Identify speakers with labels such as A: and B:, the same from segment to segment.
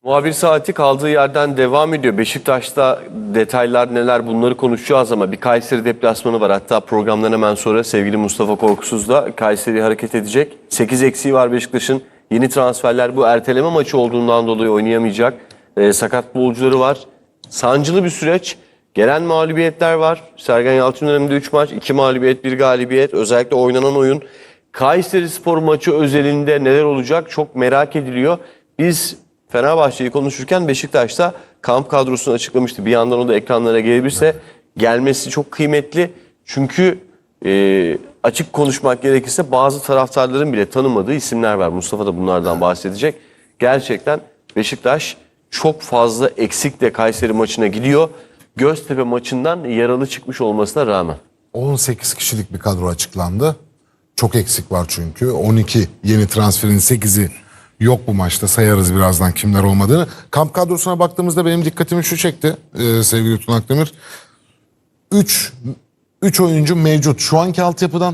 A: Muhabir saati kaldığı yerden devam ediyor. Beşiktaş'ta detaylar neler bunları konuşacağız ama bir Kayseri deplasmanı var. Hatta programdan hemen sonra sevgili Mustafa Korkusuz da Kayseri hareket edecek. 8 eksiği var Beşiktaş'ın. Yeni transferler, bu erteleme maçı olduğundan dolayı oynayamayacak. Sakat futbolcuları var. Sancılı bir süreç. Gelen mağlubiyetler var. Sergen Yalçın döneminde 3 maç, 2 mağlubiyet, 1 galibiyet. Özellikle oynanan oyun. Kayserispor maçı özelinde neler olacak çok merak ediliyor. Biz Fenerbahçe'yi konuşurken Beşiktaş'ta kamp kadrosunu açıklamıştı. Bir yandan o da ekranlara gelebilirse gelmesi çok kıymetli. Çünkü açık konuşmak gerekirse bazı taraftarların bile tanımadığı isimler var. Mustafa da bunlardan bahsedecek. Gerçekten Beşiktaş çok fazla eksikle Kayseri maçına gidiyor. Göztepe maçından yaralı çıkmış olmasına rağmen.
B: 18 kişilik bir kadro açıklandı. Çok eksik var çünkü. 12 yeni transferin 8'i yok bu maçta. Sayarız birazdan kimler olmadığını. Kamp kadrosuna baktığımızda benim dikkatimi şu çekti sevgili Tuna Akdemir. 3 oyuncu mevcut. Şu anki altyapıdan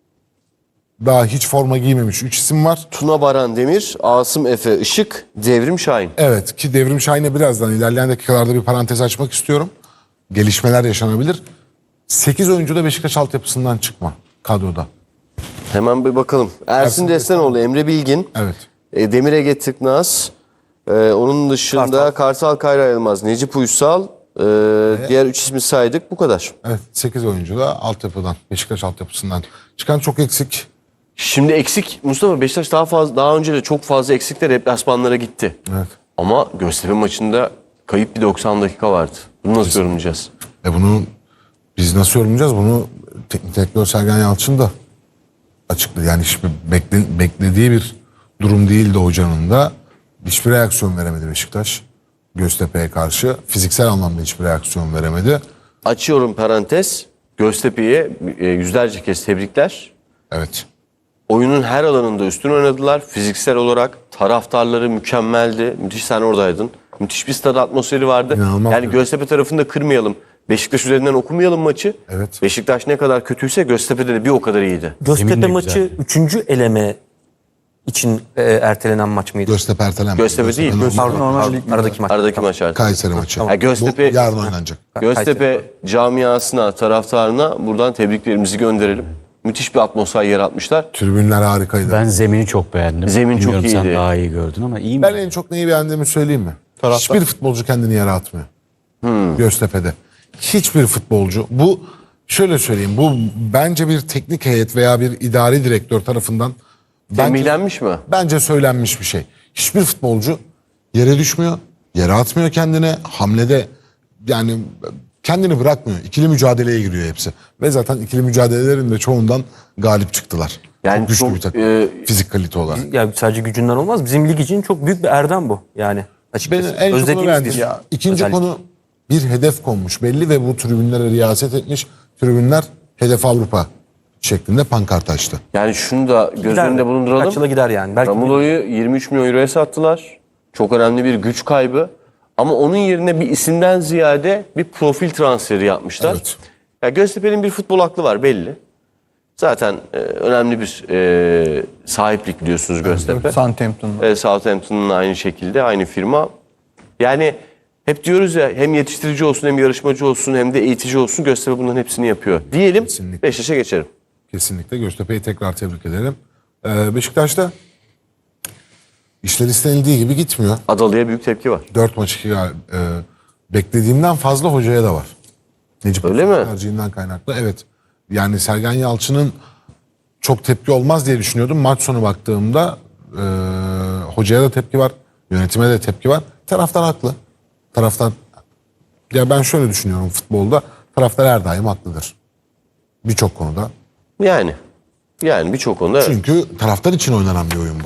B: daha hiç forma giymemiş 3 isim var.
A: Tuna Baran Demir, Asım Efe Işık, Devrim Şahin.
B: Evet, ki Devrim Şahin'e birazdan ilerleyen dakikalarda bir parantez açmak istiyorum. Gelişmeler yaşanabilir. 8 oyuncu da Beşiktaş altyapısından çıkma kadroda.
A: Hemen bir bakalım. Ersin Destanoğlu, Emre Bilgin,
B: Evet.
A: Demir Ege Tıknaz, onun dışında Kartal Kayra Yılmaz, Necip Uysal, diğer 3 ismi saydık, bu kadar.
B: Evet, 8 oyuncu da altyapıdan, Beşiktaş altyapısından çıkan çok eksik.
A: Şimdi eksik Mustafa, Beşiktaş daha önce de çok fazla eksikle deplasmanlara gitti.
B: Evet.
A: Ama Göztepe maçında kayıp bir 90 dakika vardı. Bunu nasıl yorumlayacağız?
B: Bunu biz nasıl yorumlayacağız? Bunu teknik direktör Sergen Yalçın da açıkladı. Yani hiçbir beklediği bir durum değildi hocanın da. Hiçbir reaksiyon veremedi Beşiktaş. Göztepe'ye karşı fiziksel anlamda hiçbir reaksiyon veremedi.
A: Açıyorum parantez. Göztepe'ye yüzlerce kez tebrikler.
B: Evet.
A: Oyunun her alanında üstün oynadılar. Fiziksel olarak taraftarları mükemmeldi. Müthiş, sen oradaydın. Müthiş bir stad atmosferi vardı.
B: İnanılmaz.
A: Yani Göztepe tarafını da kırmayalım. Beşiktaş üzerinden okumayalım maçı.
B: Evet.
A: Beşiktaş ne kadar kötüyse Göztepe'de de bir o kadar iyiydi.
C: Göztepe maçı 3. eleme için ertelenen maç mıydı?
B: Göztepe ertelenmedi.
A: Göztepe değil.
C: Pardon, aradaki maç.
A: Aradaki maç artık.
B: Kayseri maçı.
A: Ha, Göztepe,
B: Bu yarın oynanacak.
A: Göztepe camiasına, taraftarına buradan tebriklerimizi gönderelim. Müthiş bir atmosfer yaratmışlar.
B: Tribünler harikaydı.
D: Ben zemini çok beğendim.
A: Zemin çok
D: Bilmiyorum,
A: iyiydi.
D: sen daha iyi gördün ama iyi mi?
B: Ben en çok neyi beğendiğimi söyleyeyim mi? Hiçbir futbolcu kendini yere atmıyor. Göztepe'de. Hiçbir futbolcu. Bu şöyle söyleyeyim. Bu bence bir teknik heyet veya bir idari direktör tarafından
A: Tembihlenmiş mi?
B: bence söylenmiş bir şey. Hiçbir futbolcu yere düşmüyor. Yere atmıyor kendine. Hamlede yani kendini bırakmıyor. İkili mücadeleye giriyor hepsi. Ve zaten ikili mücadelelerin de çoğundan galip çıktılar.
A: Yani
B: çok güçlü
A: çok,
B: bir takım. Fizik kalite olarak.
C: Ya sadece gücünden olmaz. Bizim lig için çok büyük bir erdem bu. Yani açıkçası.
B: Beni en çok onu
C: Özlediğimiz
B: beğendim.
C: bir
B: İkinci
C: özellik.
B: konu, bir hedef konmuş belli ve bu tribünlere riyaset etmiş. Tribünler hedef Avrupa şeklinde pankart açtı.
A: Yani şunu da göz
C: Gider
A: önünde
C: mi?
A: bulunduralım.
C: Kaç yıla gider yani. Belki
A: Ramulo'yu 23 milyon euroya sattılar. Çok önemli bir güç kaybı. Ama onun yerine bir isimden ziyade bir profil transferi yapmışlar.
B: Evet.
A: Ya Göztepe'nin bir futbol aklı var belli. Zaten önemli bir sahiplik biliyorsunuz Göztepe.
E: Southampton'da.
A: Southampton'ın aynı şekilde, aynı firma. Yani hep diyoruz ya, hem yetiştirici olsun, hem yarışmacı olsun, hem de eğitici olsun. Göztepe bunların hepsini yapıyor. Diyelim,
B: Kesinlikle.
A: Beşiktaş'a geçelim.
B: Kesinlikle Göztepe'yi tekrar tebrik edelim. Beşiktaş'ta işler istenildiği gibi gitmiyor.
A: Adalı'ya büyük tepki var.
B: 4 maç 2 beklediğimden fazla hocaya da var. Necip
A: Öyle mi?
B: tercihinden kaynaklı. Evet. Yani Sergen Yalçın'ın çok tepki olmaz diye düşünüyordum. Maç sonu baktığımda hocaya da tepki var. Yönetime de tepki var. Taraftar haklı. Taraftar, ya ben şöyle düşünüyorum futbolda. Taraftar her daim haklıdır. Birçok konuda.
A: Yani birçok konuda evet.
B: Çünkü taraftar için oynanan bir oyun bu.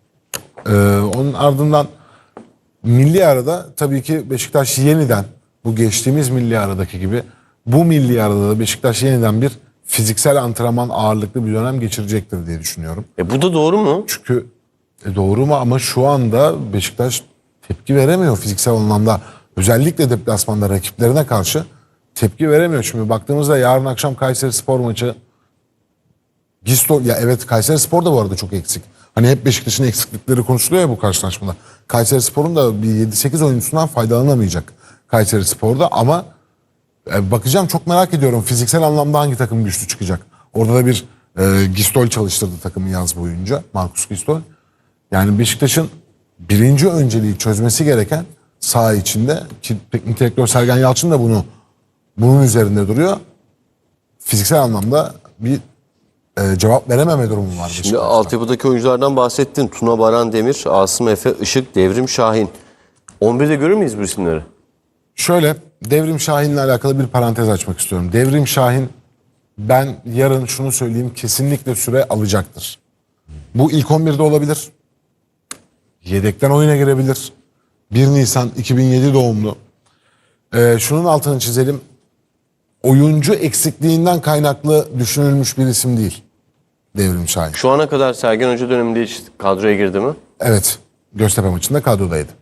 B: Onun ardından milli arada tabii ki Beşiktaş yeniden, bu geçtiğimiz milli aradaki gibi bu milli arada da Beşiktaş yeniden bir fiziksel antrenman ağırlıklı bir dönem geçirecektir diye düşünüyorum.
A: Bu da doğru mu?
B: Çünkü doğru mu, ama şu anda Beşiktaş tepki veremiyor fiziksel anlamda. Özellikle deplasmanda rakiplerine karşı tepki veremiyor. Şimdi baktığımızda yarın akşam Kayserispor maçı, Gisto, ya evet Kayserispor da bu arada çok eksik. Hani hep Beşiktaş'ın eksiklikleri konuşuluyor ya bu karşılaşmada. Kayserispor'un da bir 7-8 oyuncusundan faydalanamayacak Kayserispor'da ama bakacağım, çok merak ediyorum fiziksel anlamda hangi takım güçlü çıkacak. Orada da bir Gistol çalıştırdı takımı yaz boyunca, Markus Gistol. Yani Beşiktaş'ın birinci önceliği çözmesi gereken saha içinde, ki teknik direktör Sergen Yalçın da bunun üzerinde duruyor. Fiziksel anlamda bir cevap verememe durumu var
A: Şimdi
B: Beşiktaş'ta.
A: altyapıdaki oyunculardan bahsettin. Tuna Baran Demir, Asım Efe, Işık, Devrim Şahin. 11'de görür müyüz bu isimleri?
B: Şöyle, Devrim Şahin'le alakalı bir parantez açmak istiyorum. Devrim Şahin, ben yarın şunu söyleyeyim, kesinlikle süre alacaktır. Bu ilk 11'de olabilir. Yedekten oyuna girebilir. 1 Nisan 2007 doğumlu. Şunun altını çizelim. Oyuncu eksikliğinden kaynaklı düşünülmüş bir isim değil Devrim Şahin.
A: Şu ana kadar Sergen Hoca döneminde hiç kadroya girdi mi?
B: Evet, Göztepe maçında kadrodaydı.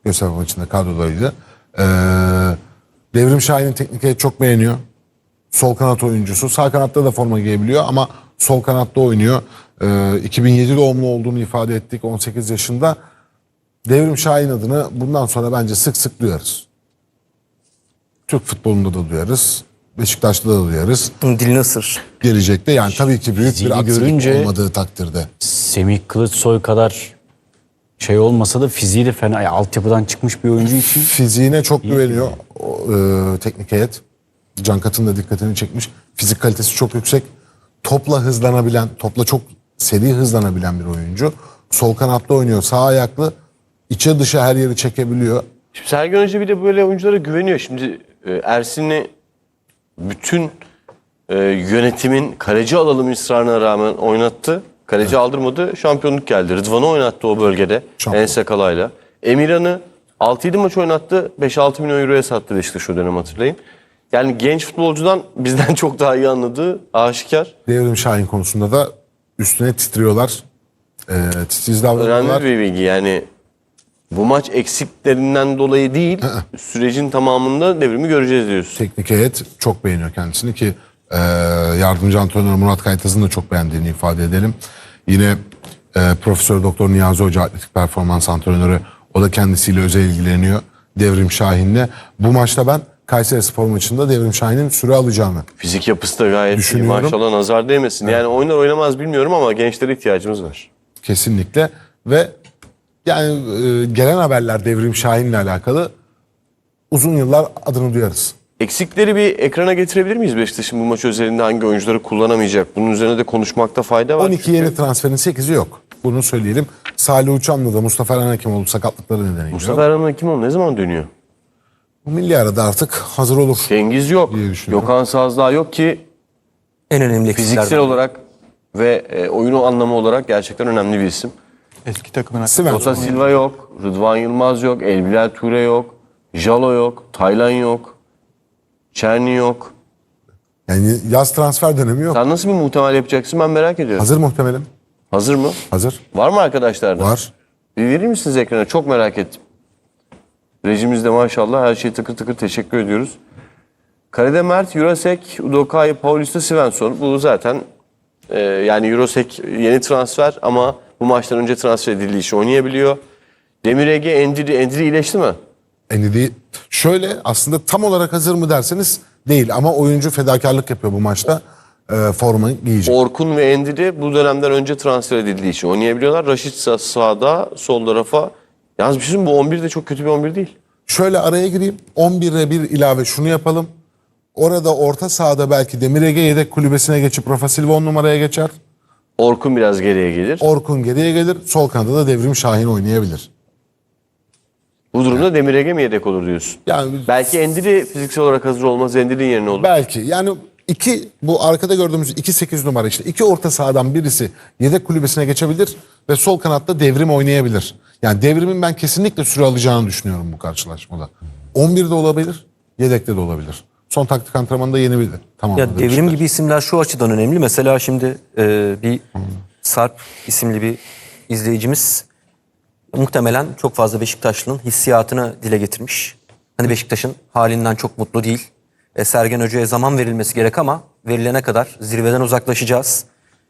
B: Devrim Şahin'in teknik heyeti çok beğeniyor. Sol kanat oyuncusu. Sağ kanatta da forma giyebiliyor ama sol kanatta oynuyor. 2007 doğumlu olduğunu ifade ettik, 18 yaşında. Devrim Şahin adını bundan sonra bence sık sık duyarız. Türk futbolunda da duyarız. Beşiktaş'ta da duyarız.
C: Dilini ısır.
B: Gelecekte yani tabii ki büyük bir
D: Fiziğini
B: aksilik
D: görünce-
B: olmadığı takdirde.
D: Semih Kılıçsoy kadar şey olmasa da fiziği de fena. Yani altyapıdan çıkmış bir oyuncu için
B: Fiziğine çok güveniyor teknik heyet. Can Kat'ın da dikkatini çekmiş. Fizik kalitesi çok yüksek. Topla hızlanabilen, topla çok seri hızlanabilen bir oyuncu. Sol kanatta oynuyor, sağ ayaklı. İçe dışa her yeri çekebiliyor.
A: Şimdi Sergen Hoca bir de böyle oyunculara güveniyor. Şimdi Ersin'i bütün yönetimin kaleci alalım ısrarına rağmen oynattı. Kaleci aldırmadı, şampiyonluk geldi. Rıdvan'ı oynattı o bölgede
B: Şampiyon.
A: Ensekala'yla. Emirhan'ı 6-7 maç oynattı, 5-6 milyon euroya sattı Beşiktaş o dönem, hatırlayın. Yani genç futbolcudan bizden çok daha iyi anladığı aşikar.
B: Devrim Şahin konusunda da üstüne titriyorlar. Titiz davranıyorlar.
A: Önemli bir bilgi yani. Bu maç eksiklerinden dolayı değil, sürecin tamamında Devrim'i göreceğiz diyorsun.
B: Teknik heyet çok beğeniyor kendisini ki yardımcı antrenör Murat Kaytaz'ın da çok beğendiğini ifade edelim. Yine Profesör Doktor Niyazi Hoca, atletik performans antrenörü, o da kendisiyle özel ilgileniyor Devrim Şahin'le. Bu maçta ben Kayserispor maçında Devrim Şahin'in süre alacağını
A: Fizik yapısı da gayet iyi.
B: Düşünüyorum.
A: Maşallah nazar değmesin. Yani oynar oynamaz bilmiyorum ama gençlere ihtiyacımız var.
B: kesinlikle ve yani gelen haberler Devrim Şahin'le alakalı uzun yıllar adını duyarız.
A: Eksikleri bir ekrana getirebilir miyiz Beşiktaş'ın bu maç özelinde hangi oyuncuları kullanamayacak? Bunun üzerine de konuşmakta fayda var.
B: 12 yeni transferin 8'i yok. Bunu söyleyelim. Salih Uçan'la da Mustafa Erhan Hekimoğlu sakatlıkları nedeniyle
A: Mustafa Erhan Hekimoğlu ne zaman dönüyor?
B: bu milli arada artık hazır olur.
A: Cengiz yok.
B: diye düşünüyorum.
A: Gökhan Sazdağ yok ki
C: En önemli
A: fiziksel
C: eksiklerden.
A: olarak ve oyunu anlamı olarak gerçekten önemli bir isim.
E: Eski takımına.
A: Ota Silva yok, Rıdvan Yılmaz yok, Elbilal Ture yok, Jalo yok, Taylan yok, Çerni yok.
B: Yani yaz transfer dönemi yok.
A: Sen nasıl bir muhtemel yapacaksın ben merak ediyorum.
B: Hazır muhtemelim.
A: Hazır mı?
B: Hazır.
A: Var mı arkadaşlardan?
B: Var.
A: Bir verir misiniz ekrana? Çok merak ettim. Rejimizde maşallah her şey tıkır tıkır, teşekkür ediyoruz. Kalede Mert, Jurasek, Udokai, Paulista, Svensson. Bu zaten yani Jurasek yeni transfer ama bu maçtan önce transfer edildiği için oynayabiliyor. Demir Ege, Endiri iyileşti mi?
B: Endidi şöyle, aslında tam olarak hazır mı derseniz değil ama oyuncu fedakarlık yapıyor bu maçta. Forma giyecek.
A: Orkun ve Endiri bu dönemden önce transfer edildiği için oynayabiliyorlar. Raşit sağda, sol tarafa. Yalnız bir şey söyleyeyim, bu 11 de çok kötü bir 11 değil.
B: Şöyle araya gireyim. 11'e bir ilave şunu yapalım. Orada orta sahada belki Demir Ege yedek kulübesine geçip Rafa Silva 10 numaraya geçer.
A: Orkun biraz geriye gelir.
B: Orkun geriye gelir. Sol kanada da Devrim Şahin oynayabilir.
A: Bu durumda Demir Ege mi yedek olur diyorsun?
B: Yani
A: Belki Endiri fiziksel olarak hazır olmaz. Endiri'nin yerine olur.
B: belki yani bu arkada gördüğümüz 2-8 numara işte. 2 orta sahadan birisi yedek kulübesine geçebilir ve sol kanatta Devrim oynayabilir. Yani Devrim'in ben kesinlikle süre alacağını düşünüyorum bu karşılaşmada. 11'de olabilir, yedekte de olabilir. Son taktik antrenmanında yeni bir tamamladı.
C: Ya Devrim gibi isimler şu açıdan önemli. Mesela şimdi bir Sarp isimli bir izleyicimiz muhtemelen çok fazla Beşiktaşlı'nın hissiyatını dile getirmiş. Hani Beşiktaş'ın halinden çok mutlu değil. Sergen Hoca'ya zaman verilmesi gerek ama verilene kadar zirveden uzaklaşacağız.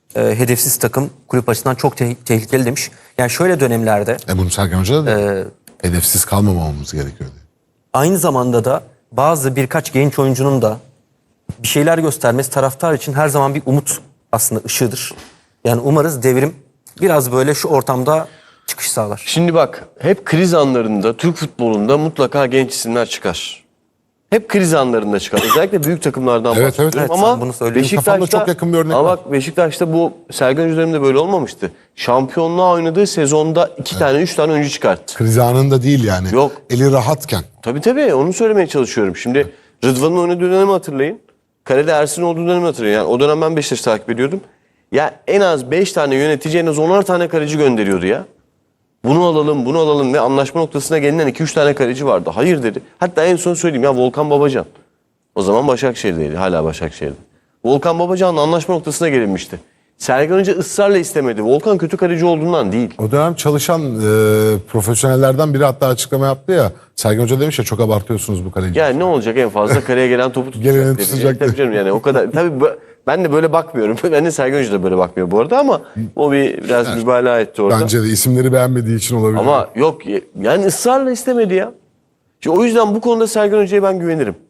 C: hedefsiz takım kulüp açısından çok tehlikeli demiş. Yani şöyle dönemlerde
B: Bunu Sergen Hoca da hedefsiz kalmamamız gerekiyor diye.
C: aynı zamanda da birkaç genç oyuncunun da bir şeyler göstermesi taraftar için her zaman bir umut aslında ışığıdır. Yani umarız Devrim biraz böyle şu ortamda çıkış sağlar.
A: Şimdi bak, hep kriz anlarında Türk futbolunda mutlaka genç isimler çıkar. Hep kriz anlarında çıkar. Özellikle büyük takımlardan
B: Evet,
A: bahsediyorum.
B: evet.
C: Evet, sen
A: Ama
C: bunu söylüyorsun.
B: Kafamda çok yakın bir örnek
A: ama
B: var.
A: bak, Beşiktaş'ta bu Sergen Hoca döneminde böyle olmamıştı. Şampiyonluğa oynadığı sezonda 2 tane 3 tane oyuncu çıkarttı.
B: Kriz anında değil yani.
A: Yok.
B: Eli rahatken.
A: Tabii onu söylemeye çalışıyorum. Şimdi Rıdvan'ın oynadığı dönemi hatırlayın. Kalede Ersin olduğu dönemi hatırlayın. Yani o dönem ben Beşiktaş'ı takip ediyordum. Ya en az 5 tane yönetici, en az 10'ar tane kaleci gönderiyordu ya. Bunu alalım ve anlaşma noktasına gelinen 2-3 tane kaleci vardı. Hayır dedi. Hatta en son söyleyeyim ya, Volkan Babacan. O zaman Başakşehir'deydi. Hala Başakşehir'de. Volkan Babacan'la anlaşma noktasına gelinmişti. Sergen Hoca ısrarla istemedi. Volkan kötü kaleci olduğundan değil.
B: O dönem çalışan profesyonellerden biri hatta açıklama yaptı ya. Sergen Hoca demiş ya, çok abartıyorsunuz bu kaleci.
A: Yani ne olacak, en fazla kaleye gelen topu tutacak.
B: Geleni
A: dedi.
B: tutacak
A: Tabii
B: dedi.
A: canım, yani o kadar. Tabii ben de böyle bakmıyorum. Ben de Sergen Hoca da böyle bakmıyor bu arada, ama o biraz mübalağa etti orada.
B: Bence de isimleri beğenmediği için olabilir.
A: Ama yok, yani ısrarla istemedi ya. İşte o yüzden bu konuda Sergen Hoca'ya ben güvenirim.